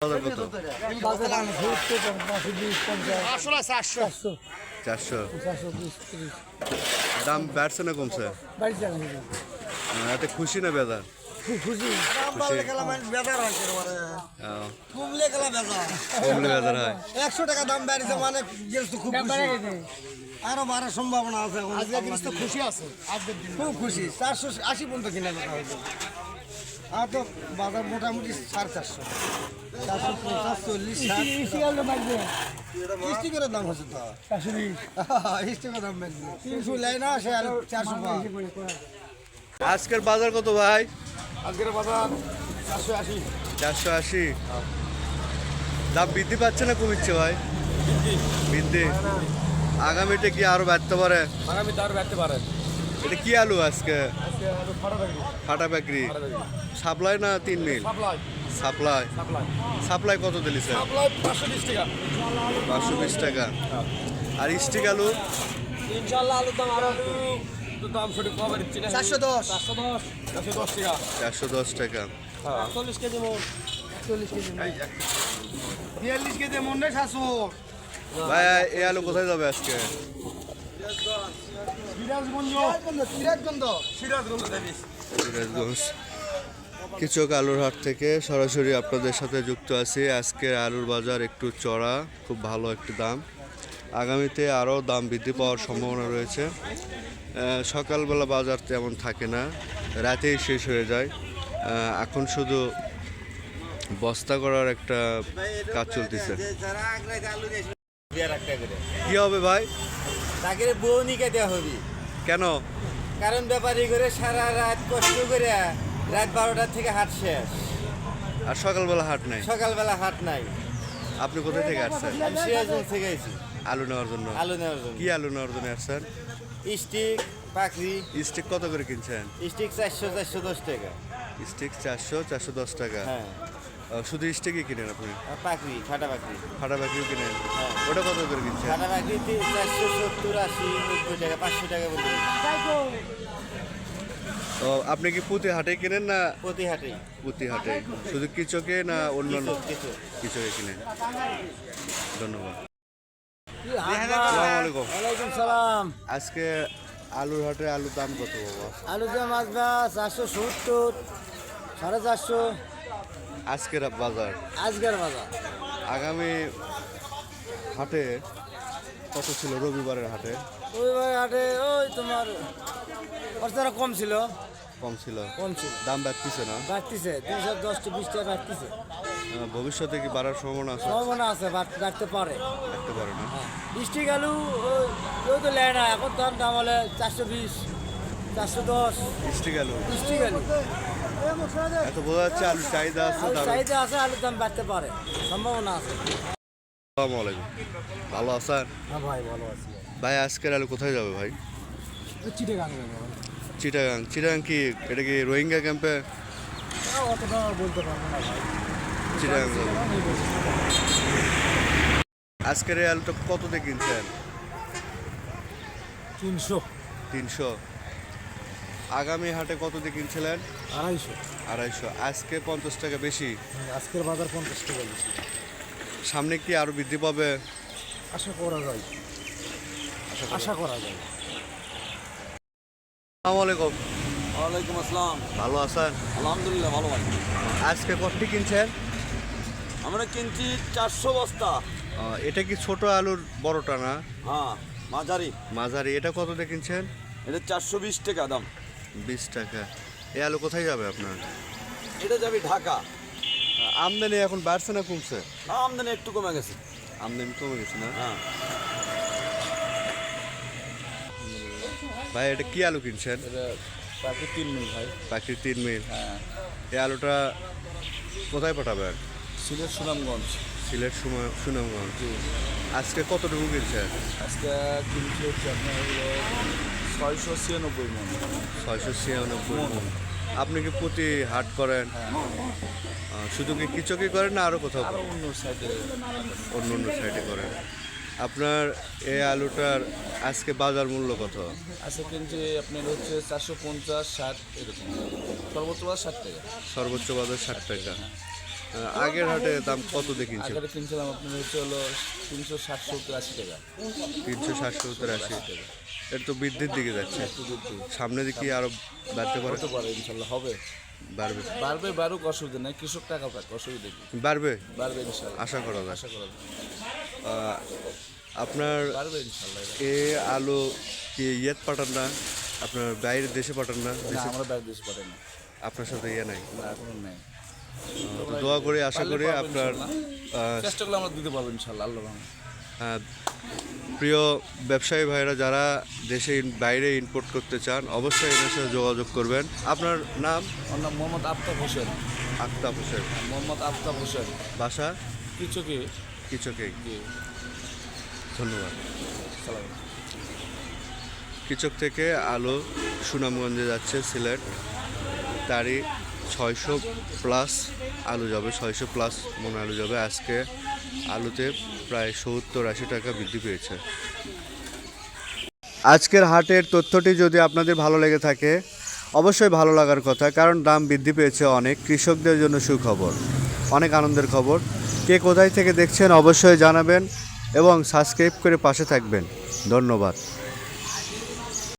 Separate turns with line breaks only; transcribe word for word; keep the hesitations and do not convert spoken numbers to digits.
চারশো দাম বাড়ছে না কমছে? এতে খুশি না বেজার? খুশি কমলে বেজার হয়।
একশো টাকা দাম বেড়েছে মানে খুব আরো বাড়ার সম্ভাবনা আছে। খুশি আছে, খুব খুশি। চারশো আশি পর্যন্ত কিনা দেখা হয়েছে। আর তো বাজার মোটামুটি সাড়ে চারশো চারশো পঞ্চাশ চল্লিশ স্টিকের দাম হচ্ছে তো স্টিকের দাম বেশি তিনশো লাই না সে আর চারশো।
আজকের বাজার কত ভাই?
আজকের বাজার চারশো আশি
চারশো আশি দাম বৃদ্ধি পাচ্ছে না কমিচ্ছে ভাই? বৃদ্ধি। আগামীতে কি আরো বাড়তে পারে?
আগামীতে আরো বাড়তে পারে।
এটা কি আলু আজকে? ফাটা বেকরি সাপ্লাই না তিন মিল? সাপ্লাই। সাপ্লাই কত দিলিছে? পাঁচশো বিশ টাকা। আর স্টিক আলু?
ইনশাআল্লাহ আলুর দাম আরো দাম সঠিক পাবে না। চারশো দশ চারশো দশ চারশো দশ টাকা।
চারশো দশ টাকা।
চল্লিশ কেজি মন চল্লিশ কেজি বিয়াল্লিশ কেজি মন নেই সাতশো।
ভাই এই আলু কোথায় যাবে আজকে? সিরাজগঞ্জ। কিচক আলুর হাট থেকে সরাসরি আপনাদের সাথে যুক্ত আছি। আজকের আলুর বাজার একটু চড়া, খুব ভালো একটি দাম। আগামীতে আরও দাম বৃদ্ধি পাওয়ার সম্ভাবনা রয়েছে। সকালবেলা বাজার তেমন থাকে না, রাতেই শেষ হয়ে যায়। এখন শুধু বস্তা করার একটা কাজ চলতেছে। কি হবে ভাই?
তাকে বউনিকে দেওয়া হবে।
কেন?
কারণ ব্যাপারী করে সারা রাত কষ্ট করে রাত বারোটার থেকে হাট শেষ,
আর সকালবেলা হাট নাই।
সকালবেলা হাট নাই।
আপনি কোথায় থেকে আসছেন?
আমি সিরাজগঞ্জ থেকে এসেছি
আলু নেওয়ার জন্য।
আলু নেওয়ার জন্য।
কি আলু নেওয়ার জন্য আসছেন?
স্টিক পাকড়ি।
স্টিক কত করে কিনছেন?
স্টিক চারশো চারশো দশ টাকা।
স্টিক চারশো চারশো দশ টাকা।
হ্যাঁ,
শুধু স্টিকই কিনেন আপনি?
পাকড়ি ফাটা পাকড়ি।
ফাটা বাকিও কিনেন?
হ্যাঁ।
ওটা কত করে কিনছেন?
ফাটা পাকড়ি চারশো সত্তর আশি নব্বই টাকা পাঁচশো টাকা বলতে।
তো আপনি কি প্রতি হাটে কিনেন না?
প্রতি হাটে।
প্রতি হাটে। শুধু কিচকে না অন্যান্য?
কিছু
কিচকে কিনেন। ধন্যবাদ।
ওয়ালাইকুম সালাম।
আজকে আলুর হাটে আলুর দাম কত বাবা?
আলুর দাম আসবা চারশো সত্তর সাড়ে চারশো
আজকের বাজার।
আজকের বাজার।
আগামী হাটে কত ছিল রবিবারের হাটে?
রবিবারের হাটে ওই তোমার খরচাটা কম ছিল।
কম ছিল?
কম ছিল।
দাম বাড়তিছে না?
বাড়তিছে তিনশো দশ বিশ টাকা বাড়তিছে।
ভবিষ্যতে কি বাড়ার সম্ভাবনা আছে?
সম্ভাবনা আছে, বাড়তে পারে।
বাড়তে পারে না?
স্টিক আলু কেউ তো নেয় না এখন, তখন দাম হলে চারশো বিশ চারশো দশ।
স্টিক আলু?
স্টিক আলু
এত বোঝা যাচ্ছে আলু চাহিদা আছে।
চাহিদা আছে, আলুর দাম বাড়তে পারে, সম্ভাবনা আছে।
আসসালামু আলাইকুম, ভালো আছেন?
হ্যাঁ ভাই ভালো আছি।
ভাই আজকের আলু কোথায় যাবে ভাই?
চিটাগাং।
চিটাগাং? চিটাগাং কি এটা কি রোহিঙ্গা ক্যাম্পে?
অতটা বলতে পারবো না ভাই।
চিটাগাং যাবে। আজকের এই আলুটা কত দিয়ে কিনছেন?
তিনশো।
তিনশো। আগামী হাটে কত দিয়ে কিনছিলেন?
আড়াইশো।
আড়াইশো। আজকে পঞ্চাশ টাকা বেশি।
আজকের বাজার পঞ্চাশ টাকা বেশি।
সামনে কি আরো বৃদ্ধি পাবে?
আশা করা যায়, আশা করা যায়।
আসসালামু আলাইকুম।
ওয়ালাইকুম আসসালাম।
ভালো আছেন?
আলহামদুলিল্লাহ ভালো ভাই।
আজকে কতটি কিনছেন?
আমরা কিনছি চারশো বস্তা।
এটা কি ছোট আলুর বড়টা না?
হ্যাঁ মাঝারি।
মাঝারি। এটা কত দিয়ে কিনছেন?
এটা চারশো বিশ টাকা দাম।
বিশ টাকা। এই আলু কোথায় যাবে আপনার?
এটা যাবে ঢাকা।
আমদানি এখন বাড়ছে না কমছে?
আমদানি একটু কমে গেছে।
আমদানি কমে গেছে না?
হ্যাঁ
ভাই এটা কি আলু কিনছেন?
এটা পাখির তিন মিল ভাই।
পাখির তিন মিল।
হ্যাঁ।
এই আলুটা কোথায় পাঠাবেন?
সিলেট সুনামগঞ্জ।
সিলেট সুনামগঞ্জ। আজকে কতটুকু কিনছেন?
আজকে কিনছি হচ্ছে আপনার হলো ছয়শো ছিয়ানব্বই মন।
ছয়শো ছিয়ানব্বই মন। আপনি কি প্রতি হাট করেন? শুধু কি কিচকি করেন না আরও কোথাও?
আরও অন্য সাইডে।
অন্য অন্য সাইডে করেন। আপনার এই আলুটার আজকে বাজার মূল্য কত?
আজকে কিনছি আপনার হচ্ছে চারশো পঞ্চাশ ষাট এরকম। সর্বোচ্চ বাজার ষাট টাকা।
সর্বোচ্চ বাজার ষাট টাকা। আহ, আগের হাটে দাম কত দিয়ে কিনছেন?
আগে কিনছিলাম আপনার হচ্ছে হলো তিনশো ষাট সত্তর আশি টাকা।
তিনশো ষাট সত্তর আশি। এটা তো বৃদ্ধির দিকে যাচ্ছে,
একটু বৃদ্ধি
সামনে দিকে আরো বাড়তে পারে।
হতে পারে, ইনশাল্লাহ হবে।
বাড়বে
বাড়বে, বাড়ুক, অসুবিধা নেই, কৃষক টাকা পাক, অসুবিধা কি,
বাড়বে
বাড়বে ইনশাল্লাহ,
আশা করা যায়।
আশা করা যায়।
আহ, আপনার
বাড়বে ইনশাল্লাহ।
এ আলু কি ইয়েত পাঠান না, আপনার বাইরের দেশে পাঠান না?
না, আমরা বাইরে দেশ পাঠাই না,
আপনার সাথে ইয়ে নাই?
না এখনো নেই।
তো দোয়া করি, আশা করি
পারলে পাবো
আপনার
ইনশাল্লাহ।
আহ,
চেষ্টা করলে আমরা দিতে পারবো ইনশাল্লাহ, আল্লাহ রহমতে।
আহ, প্রিয় ব্যবসায়ী ভাইরা যারা দেশে ইন- বাইরে ইম্পোর্ট করতে চান অবশ্যই এদের সাথে যোগাযোগ করবেন। আপনার নাম?
ওর নাম মোহাম্মদ আফতাব হোসেন।
আক্তাব হোসেন।
মোহাম্মদ আফতাব হোসেন,
বাসা
কিছু কি
কিচকে।
জি,
ধন্যবাদ।
সালাম।
কিচক থেকে আলু সুনামগঞ্জে যাচ্ছে সিলেট, তারই ছয়শো প্লাস আলু যাবে, ছয়শো প্লাস মন আলু যাবে। আজকে আলুতে প্রায় সত্তর আশি টাকা বৃদ্ধি পেয়েছে। আজকের হাটের তথ্যটি যদি আপনাদের ভালো লেগে থাকে, অবশ্যই ভালো লাগার কথা, কারণ দাম বৃদ্ধি পেয়েছে অনেক, কৃষকদের জন্য সুখবর, অনেক আনন্দের খবর। কে কোথায় থেকে দেখছেন অবশ্যই জানাবেন এবং সাবস্ক্রাইব করে পাশে থাকবেন। ধন্যবাদ।